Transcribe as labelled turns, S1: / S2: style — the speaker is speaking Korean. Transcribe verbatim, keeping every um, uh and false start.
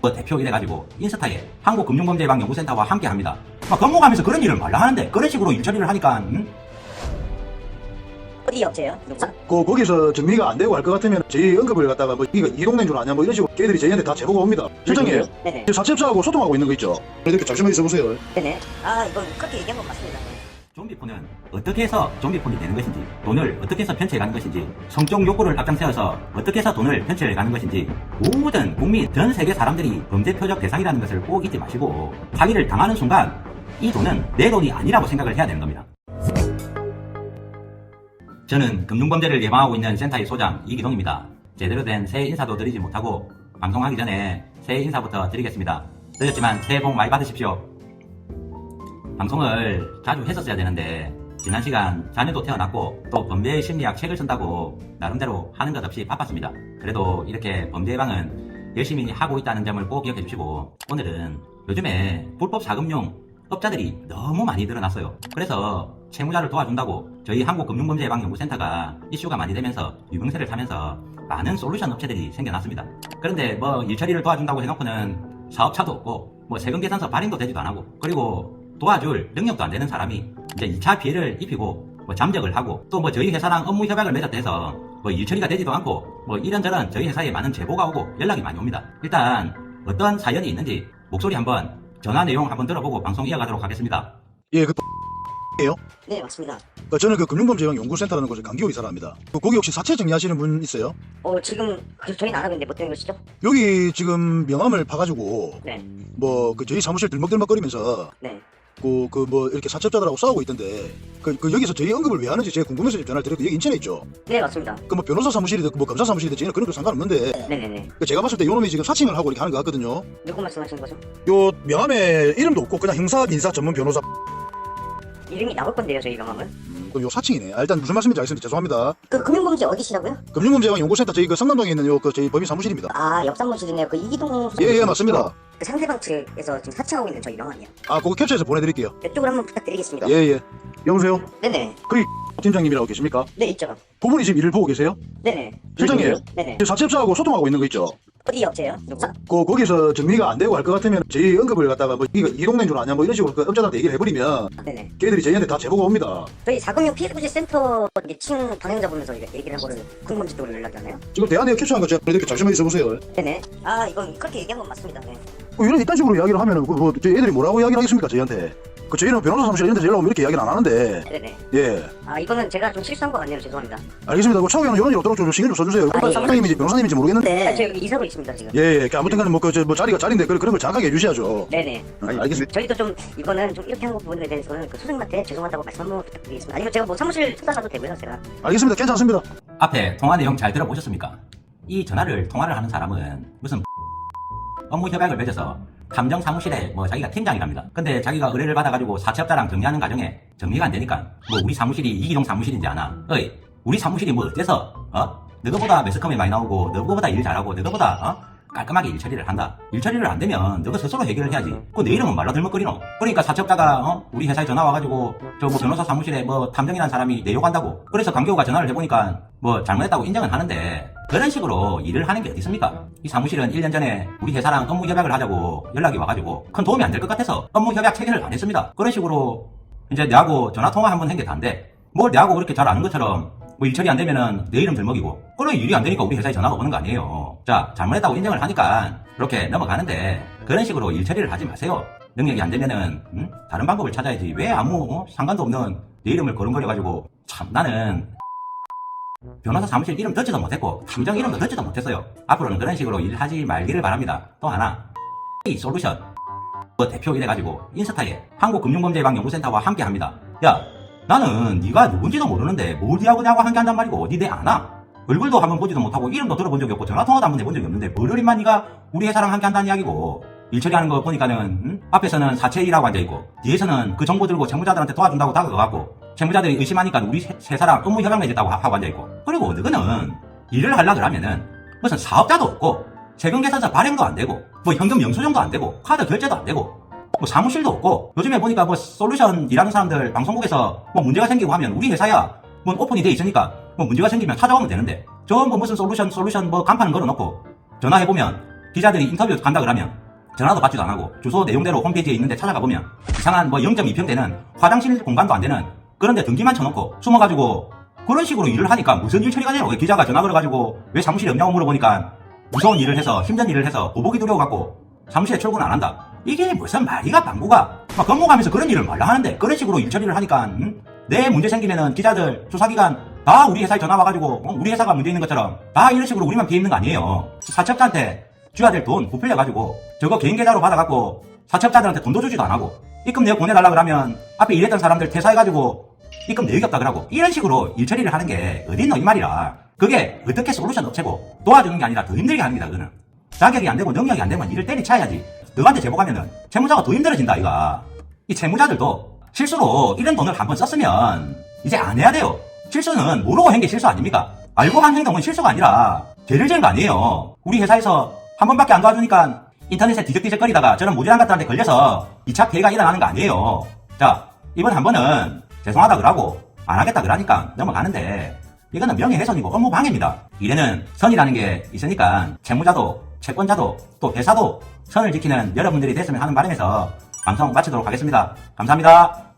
S1: 그 대표 이래가지고 인스타에 한국금융범죄예방연구센터와 함께합니다. 막 건국하면서 그런 일을 말라 하는데 그런 식으로 일 처리를 하니까 음?
S2: 어디 업체예요? 누구?
S3: 그 거기서 정리가 안 되고 할 것 같으면 저희 언급을 갖다가 뭐 이거 이동된 줄 아냐 뭐 이런 식으로 걔들이 저희한테 다 제보가 옵니다. 실장님,
S2: 네네.
S3: 사채업자하고 소통하고 있는 거 있죠? 이렇게 잠시만 있어보세요.
S2: 네네. 아 이건 그렇게 얘기한 건 맞습니다.
S1: 좀비폰은 어떻게 해서 좀비폰이 되는 것인지, 돈을 어떻게 해서 편취해가는 것인지, 성적 욕구를 앞장세워서 어떻게 해서 돈을 편취해가는 것인지, 모든 국민, 전 세계 사람들이 범죄 표적 대상이라는 것을 꼭 잊지 마시고 사기를 당하는 순간 이 돈은 내 돈이 아니라고 생각을 해야 되는 겁니다. 저는 금융범죄를 예방하고 있는 센터의 소장 이기동입니다. 제대로 된 새해 인사도 드리지 못하고 방송하기 전에 새해 인사부터 드리겠습니다. 늦었지만 새해 복 많이 받으십시오. 방송을 자주 했었어야 되는데 지난 시간 자녀도 태어났고 또 범죄 심리학 책을 쓴다고 나름대로 하는 것 없이 바빴습니다. 그래도 이렇게 범죄 예방은 열심히 하고 있다는 점을 꼭 기억해 주시고, 오늘은 요즘에 불법 사금융 업자들이 너무 많이 늘어났어요. 그래서 채무자를 도와준다고 저희 한국금융범죄예방연구센터가 이슈가 많이 되면서 유명세를 타면서 많은 솔루션 업체들이 생겨났습니다. 그런데 뭐 일처리를 도와준다고 해놓고는 사업차도 없고 뭐 세금계산서 발행도 되지도 안 하고, 그리고 도와줄 능력도 안 되는 사람이 이제 이 차 피해를 입히고 뭐 잠적을 하고 또 뭐 저희 회사랑 업무 협약을 맺었다 해서 뭐 일처리가 되지도 않고 뭐 이런저런 저희 회사에 많은 제보가 오고 연락이 많이 옵니다. 일단 어떤 사연이 있는지 목소리 한번, 전화 내용 한번 들어보고 방송 이어가도록 하겠습니다.
S3: 예, 그 예요?
S2: 네 맞습니다.
S3: 그 저는 그 금융범죄예방연구센터라는 곳에 강기호 이사랍니다. 그 거기 혹시 사채 정리하시는 분 있어요?
S2: 어 지금 그 저희는 안 하고 있는데 뭐 때문에 그러시죠?
S3: 여기 지금 명함을 파가지고
S2: 네.
S3: 뭐 그 저희 사무실 들먹들먹거리면서
S2: 네.
S3: 그 그 뭐 이렇게 사채업자들하고 싸우고 있던데 그, 그 여기서 저희 언급을 왜 하는지 제가 궁금해서 전화를 드렸고, 여기 인천에 있죠?
S2: 네 맞습니다.
S3: 그 뭐 변호사 사무실이든 뭐 검사 사무실이든 저희는 그런 거 상관없는데,
S2: 네네네.
S3: 그 제가 봤을 때 요놈이 지금 사칭을 하고 이렇게 하는 것 같거든요.
S2: 누구 말씀하시는 거죠?
S3: 요 명함에 이름도 없고 그냥 형사 민사 전문 변호사.
S2: 이름이 나올 건데요 저희 명함은.
S3: 그럼 요 사칭이네. 아, 일단 무슨 말씀인지 알겠습니다. 죄송합니다.
S2: 그 금융범죄 어디시라고요?
S3: 금융범죄예방연구센터 저희 그 성남동에 있는 요 그 저희 법인 사무실입니다.
S2: 아 옆사무실이네요. 그 이기동.
S3: 예, 예, 맞습니다.
S2: 그 상대방 측에서 지금 사칭하고 있는 저희 명함이요.
S3: 아, 그거 캡처해서 보내드릴게요.
S2: 이쪽으로 한번 부탁드리겠습니다.
S3: 예, 예. 여보세요?
S2: 네네.
S3: 그리 팀장님이라고 계십니까?
S2: 네 있죠.
S3: 그분이 지금 일을 보고 계세요?
S2: 네네.
S3: 실장님.
S2: 네네.
S3: 사채업자하고 소통하고 있는 거 있죠?
S2: 어디 업체예요? 누구?
S3: 그 거기서 정리가 안 되고 할 것 같으면 저희 언급을 갖다가 뭐 이거 이동된 줄 아냐 뭐 이런 식으로 그 업자들한테 얘기를 해버리면
S2: 네네.
S3: 걔들이 저희한테 다 제보가 옵니다.
S2: 저희 사금융 피해구제 센터 층 방향자 보면서 얘기를 한 거를 금융범죄 쪽으로 연락이 왔나요?
S3: 지금 대안에 캡처한 거 제가 보내드릴게요. 잠시만 있어보세요.
S2: 네네. 아 이건 그렇게 얘기한 건 맞습니다. 네.
S3: 그 이런 이딴 식으로 이야기를 하면은 그 뭐 저희 애들이 뭐라고 이야기를 하겠습니까 저희한테? 그 저희는 변호사 사무실 이런 데서 연락 오면 이렇게 이야기를 안 하는데.
S2: 네네.
S3: 예.
S2: 아 이거는 제가 좀 실수한 것 같네요. 죄송합니다.
S3: 알겠습니다. 그 차후에는 이런 일 없도록 좀 신경 좀 써주세요.
S2: 아, 예.
S3: 사무장님인지 변호사님인지 모르겠는데.
S2: 아, 저 여기 이사로 있습니다 지금.
S3: 예, 예. 아무튼간에 뭐 그 저 뭐 자리가 자리인데 그런 그런 걸 정확하게 해주셔야죠.
S2: 네네.
S3: 알- 알겠습니다.
S2: 저희도 좀 이거는 좀 이렇게 한 부분에 대해서는 그 소장님한테 죄송하다고 말씀 한번 부탁드리겠습니다. 아니면 제가 뭐 사무실 찾아가도 되고요, 제가.
S3: 알겠습니다. 괜찮습니다.
S1: 앞에 통화 내용 잘 들어보셨습니까? 이 전화를 통화를 하는 사람은 무슨 업무 협약을 맺어서 감정 사무실에 뭐 자기가 팀장이랍니다. 근데 자기가 의뢰를 받아가지고 사채업자랑 정리하는 과정에 정리가 안 되니까 뭐 우리 사무실이 이기동 사무실인지 아나? 어이, 우리 사무실이 뭐 어때서? 어? 너거보다 매스컴이 많이 나오고 너거보다 일 잘하고 너거보다 어? 깔끔하게 일 처리를 한다. 일 처리를 안 되면 너가 스스로 해결을 해야지. 그 내 이름은 말로 들먹거리노. 그러니까 사채업자가 어? 우리 회사에 전화 와가지고 저 뭐 변호사 사무실에 뭐 탐정이라는 사람이 내 욕한다고. 그래서 강교우가 전화를 해보니까 뭐 잘못했다고 인정은 하는데 그런 식으로 일을 하는 게 어디 있습니까? 이 사무실은 일 년 전에 우리 회사랑 업무 협약을 하자고 연락이 와가지고 큰 도움이 안 될 것 같아서 업무 협약 체결을 안 했습니다. 그런 식으로 이제 내하고 전화 통화 한번 한 게 다인데 뭘 내하고 그렇게 잘 아는 것처럼 뭐 일처리 안 되면은 내 이름 들먹이고, 그래 일이 안 되니까 우리 회사에 전화가 오는 거 아니에요. 자, 잘못했다고 인정을 하니까 이렇게 넘어가는데 그런 식으로 일처리를 하지 마세요. 능력이 안 되면은 음? 다른 방법을 찾아야지. 왜 아무 어? 상관도 없는 내 이름을 거름거려가지고. 참, 나는 변호사 사무실 이름 듣지도 못했고 탐정 이름도 듣지도 못했어요. 앞으로는 그런 식으로 일하지 말기를 바랍니다. 또 하나, 이 솔루션 그 대표 이래가지고 인스타에 한국금융범죄예방연구센터와 함께합니다. 야, 나는 네가 누군지도 모르는데 뭘 니하고 내하고 함께 한단 말이고 니 내 아나? 얼굴도 한번 보지도 못하고 이름도 들어본 적이 없고 전화통화도 한번 해본 적이 없는데 뭘 어린만 니가 우리 회사랑 함께 한다는 이야기고. 일 처리하는 거 보니까는 음? 앞에서는 사채일하고 앉아있고 뒤에서는 그 정보 들고 채무자들한테 도와준다고 다가가고 채무자들이 의심하니까 우리 세, 세 사람 업무 협약 맺었다고 하고 앉아있고. 그리고 너는 일을 하려고 그러면은 무슨 사업자도 없고 세금계산서 발행도 안 되고 뭐 현금 영수증도 안 되고 카드 결제도 안 되고 뭐 사무실도 없고. 요즘에 보니까 뭐 솔루션 일하는 사람들 방송국에서 뭐 문제가 생기고 하면 우리 회사야 뭐 오픈이 돼 있으니까 뭐 문제가 생기면 찾아오면 되는데 전부 무슨 솔루션 솔루션 뭐 간판을 걸어놓고 전화해보면 기자들이 인터뷰 간다 그러면 전화도 받지도 안 하고 주소 내용대로 홈페이지에 있는데 찾아가 보면 이상한 뭐 영 점 이 평 되는 화장실 공간도 안 되는 그런데 등기만 쳐놓고 숨어가지고 그런 식으로 일을 하니까 무슨 일 처리가 돼요? 기자가 전화 걸어가지고 왜 사무실에 없냐고 물어보니까 무서운 일을 해서 힘든 일을 해서 보복이 두려워갖고 사무실에 출근 안 한다. 이게 무슨 말이가 방구가 막 건모가면서 그런 일을 말라 하는데 그런 식으로 일 처리를 하니까 응? 내 문제 생기면은 기자들 수사기관 다 우리 회사에 전화 와가지고 어? 우리 회사가 문제 있는 것처럼 다 이런 식으로 우리만 피해 있는 거 아니에요. 사채업자한테 줘야 될 돈 부풀려가지고 저거 개인 계좌로 받아갖고 사채업자들한테 돈도 주지도 안 하고 입금 내역 보내달라 그러면 앞에 일했던 사람들 퇴사해가지고 입금 내역이 없다 그러고 이런 식으로 일 처리를 하는 게 어딨노 이 말이라. 그게 어떻게 솔루션 업체고 도와주는 게 아니라 더 힘들게 합니다. 그거는 자격이 안 되고 능력이 안 되면 일을 때리쳐야지. 너한테 제보하면은 채무자가 더 힘들어진다 이가. 이 채무자들도 실수로 이런 돈을 한번 썼으면 이제 안 해야 돼요. 실수는 모르고 한 게 실수 아닙니까? 알고 한 행동은 실수가 아니라 죄를 지은 거 아니에요. 우리 회사에서 한 번밖에 안 도와주니까 인터넷에 뒤적뒤적거리다가 저런 무지한 것들한테 걸려서 이 차 피해가 일어나는 거 아니에요. 자, 이번 한 번은 죄송하다 그러고 안 하겠다 그러니까 넘어가는데 이거는 명예훼손이고 업무 방해입니다. 일에는 선이라는 게 있으니까 채무자도 채권자도 또 회사도 선을 지키는 여러분들이 됐으면 하는 바람에서 방송 마치도록 하겠습니다. 감사합니다.